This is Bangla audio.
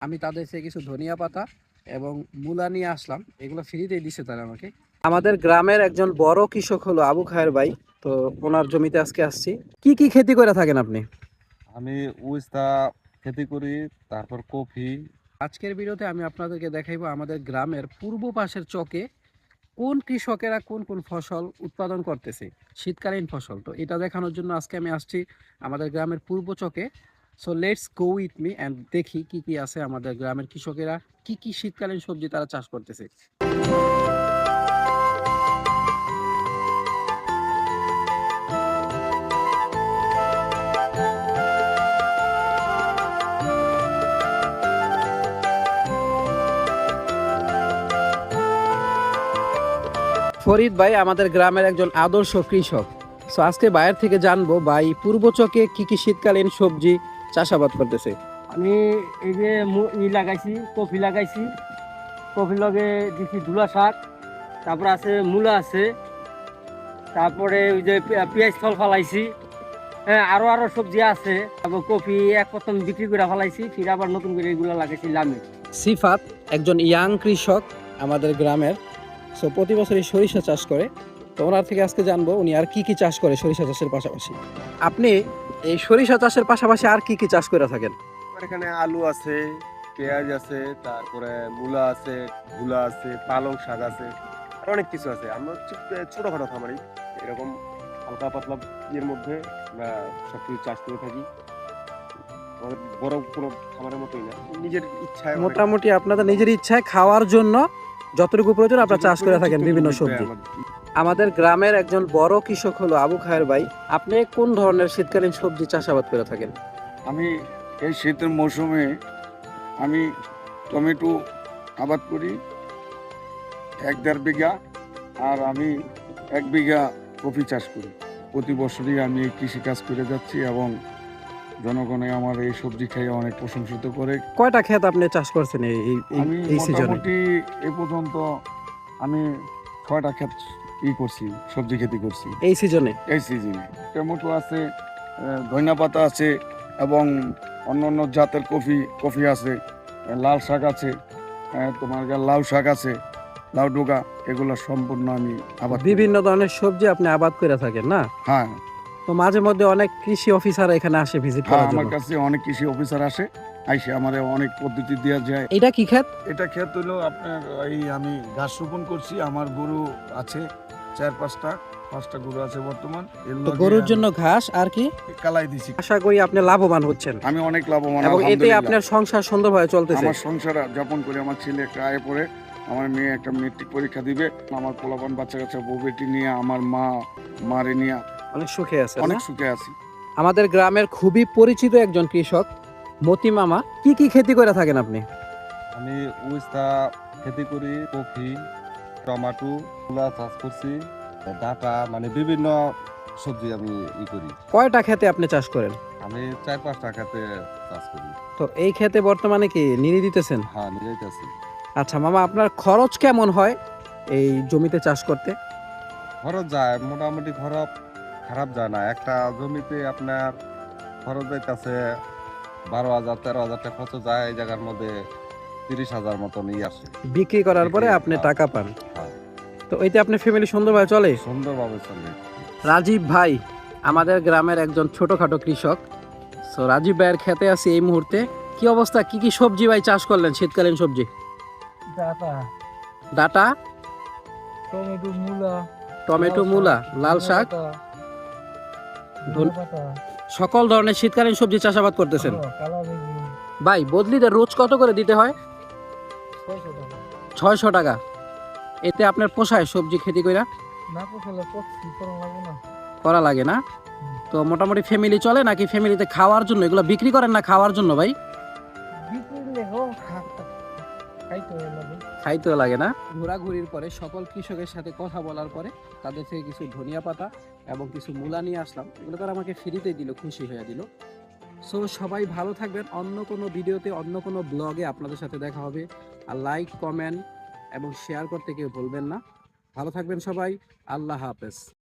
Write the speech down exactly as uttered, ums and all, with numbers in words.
আমি তাদের থেকে কিছু ধনিয়া পাতা এবং মূলা নিয়ে আসলাম। এগুলো ফ্রিতেই দিছে তারা আমাকে। আমাদের গ্রামের একজন বড় কৃষক হলো আবু খায়ের ভাই। তো ওনার জমিতে আজকে আসছি। কি কি খেতি করে থাকেন আপনি? আমি উস্তা খেতি করি, তারপর কফি। আজকের ভিডিওতে আমি আপনাদেরকে দেখাইবো আমাদের গ্রামের পূর্ব পাশের চকে কোন কৃষকেরা কোন কোন ফসল উৎপাদন করতেছে, শীতকালীন ফসল। তো এটা দেখানোর জন্য আজকে আমি আসছি আমাদের গ্রামের পূর্ব চকে। So let's go with me and দেখি কি কি আছে আমাদের গ্রামের কৃষকেরা কি কি শীতকালীন সবজি তারা চাষ করতেছে। ফরিদ ভাই আমাদের গ্রামের একজন আদর্শ কৃষক। সো আজকে বাইরে থেকে জানবো ভাই পূর্ব চকে কি কি শীতকালীন সবজি চাষাবাদ করতেছে। আমি এই যে মু- ই লাগাইছি, কফি লাগাইছি। কফি লগে দিছি ধুলা শাক, তারপরে আছে মূলা আছে, তারপরে ওই যে পে- পেঁয়াজ ফল ফালাইছি। হ্যাঁ, আরো আরো সবজি আছে। তারপর কফি এক প্রথম বিক্রি করে ফালাইছি, ফির আবার নতুন করে এগুলো লাগাইছি লামে। সিফাত একজন ইয়াং কৃষক আমাদের গ্রামের। সো প্রতি বছরই সরিষা চাষ করে। তো ওনার থেকে আজকে জানবো উনি আর কি কি চাষ করে সরিষা চাষের পাশাপাশি। আপনি এই সরিষা চাষের পাশাপাশি আর কি কি চাষ করে থাকেন? আমার এখানে আলু আছে, পেঁয়াজ আছে, তারপরে মূলা আছে, ধুলা আছে, পালং শাক আছে, আর অনেক কিছু আছে। আমরা হচ্ছে ছোটখাটো খামারি, এরকম হালকা পাতলা ইয়ের মধ্যে আমরা সবকিছু চাষ করে থাকি। আমাদের বড় কোনো খামারের মতোই না, নিজের ইচ্ছায় অনেক- মোটামুটি আপনাদের নিজের ইচ্ছায় খাওয়ার জন্য যতটুকু প্রয়োজন আপনারা চাষ করে থাকেন বিভিন্ন সবজি। আমাদের গ্রামের একজন বড় কৃষক হলো আবু খায়ের ভাই। আপনি কোন ধরনের শীতকালীন সবজি চাষাবাদ করে থাকেন? আমি এই শীতের মৌসুমে আমি টমেটো আবাদ করি এক দেড় বিঘা, আর আমি এক বিঘা কফি চাষ করি। প্রতি বছরই আমি এই কৃষিকাজ করে যাচ্ছি এবং জনগণে আমার এই সবজি খেয়ে অনেক প্রশংসিত করে। কয়টা ক্ষেত আপনি চাষ করছেন এই এই- এই- আমি এই সিজনে? মোটামুটি এ পর্যন্ত আমি ছয়টা ক্ষেত ই করছি, সবজি খেতি করছি এই সিজনে এই সিজনে। টমেটো আছে, ধনিয়া পাতা আছে এবং অন্য অন্য জাতের কফি কফি আছে, লাল শাক আছে, আহ, তোমার গা- লাউ শাক আছে, লাউ ডোকা, এগুলো সম্পূর্ণ আমি আবাদ করি। বিভিন্ন ধরনের সবজি আপনি আবাদ করে থাকেন না? হ্যাঁ, তো মাঝে মধ্যে অনেক কৃষি অফিসার এখানে আসে ভিজিট হ্যাঁ, করার আমার জন্য। কাছে অনেক কৃষি অফিসার আসে, আইসে আমাদের অনেক পদ্ধতি দেওয়া যায়। এটা কি ক্ষেত? এটা ক্ষেত হলো আপনার এই আমি ঘাস রোপণ করছি। আমার গরু আছে চার পাঁচটা পাঁচটা গরু আছে বর্তমান। এর তো লগে গরুর আমি জন্য ঘাস আর কি? কালাই দিছি। আশা করি আপনি লাভবান হচ্ছেন আমি অনেক লাভবান এবং এতে আলহামদুলিল্লাহ। আপনার সংসার সুন্দরভাবে চলতেছে। আমার সংসার যাপন করে, আমার ছেলে একটা আয়ে পড়ে, আমার মেয়ে একটা মেট্রিক পরীক্ষা দিবে, আমার পোলাপান বাচ্চা কাচ্চা বউ বেটি নিয়ে, আমার মা মারে নিয়ে অনেক সুখে আছে অনেক না? সুখে আছি। আমাদের গ্রামের খুবই পরিচিত একজন কৃষক মতি মামা। কি কি খেতি করে থাকেন আপনি? আমি উস্তা খেতি করি, কফি, টমেটো, মূলা চাষ করছি, ডাটা, মানে বিভিন্ন সবজি আমি ই করি। কয়টা খেতে আপনি চাষ করেন? আমি চার পাঁচ টাকাতে চাষ করি। তো এই খেতে বর্তমানে কি নিড়ি দিতেছেন? হ্যাঁ, নিজেই আছি। আচ্ছা মামা, আপনার খরচ কেমন হয় এই জমিতে চাষ করতে? খরচ যায় মোটামুটি, খরচ খারাপ যায় না। একটা জমিতে আপনার খরচ যাইতেছে বারো হাজার তেরো হাজার টাকা খরচ যায়, এই জায়গার মধ্যে তিরিশ হাজার মতন ই আসে। বিক্রি করার পরে বিক্রি, আপনি হ্যাঁ। টাকা পান। হ্যাঁ, তো এতে আপনার ফ্যামিলি সুন্দরভাবে চলে? সুন্দরভাবে চলে। রাজীব ভাই আমাদের গ্রামের একজন ছোটখাটো কৃষক। সো রাজীব ভাইয়ের খেতে আছে এই মুহূর্তে। কি অবস্থা, কি কি সবজি ভাই চাষ করলেন শীতকালীন সবজি? ডাটা, ডাটা, টমেটো, মূলা, টমেটো, মূলা, লাল শাক, ধন- সকল ধরনের শীতকালীন সবজি চাষাবাদ করতেছেন ভাই। বদলিতে রোজ কত করে দিতে হয়? ছয়শো টাকা। এতে আপনার পোষায় সবজি খেতে কইরা? না পোষালে পক্ষি করা লাগবে না। করা লাগে না? তো মোটামুটি ফ্যামিলি চলে নাকি ফ্যামিলিতে খাওয়ার জন্য এগুলো বিক্রি করেন না খাওয়ার জন্য ভাই? বিক্রি লেখো খাইতে লাগে। খাইতেও লাগে না? ঘোরাঘুরির পরে সকল কৃষকের সাথে কথা বলার পরে তাদের থেকে কিছু ধনিয়া পাতা এবং কিছু মূলা নিয়ে আসলাম। এগুলো তারা আমাকে ফ্রিতে দিল, খুশি হয়ে দিল। সো সবাই ভালো থাকবেন। অন্য কোনো ভিডিওতে অন্য কোনো ব্লগে আপনাদের সাথে দেখা হবে। আর লাইক, কমেন্ট এবং শেয়ার করতে কেউ ভুলবেন না। ভালো থাকবেন সবাই। আল্লাহ হাফেজ।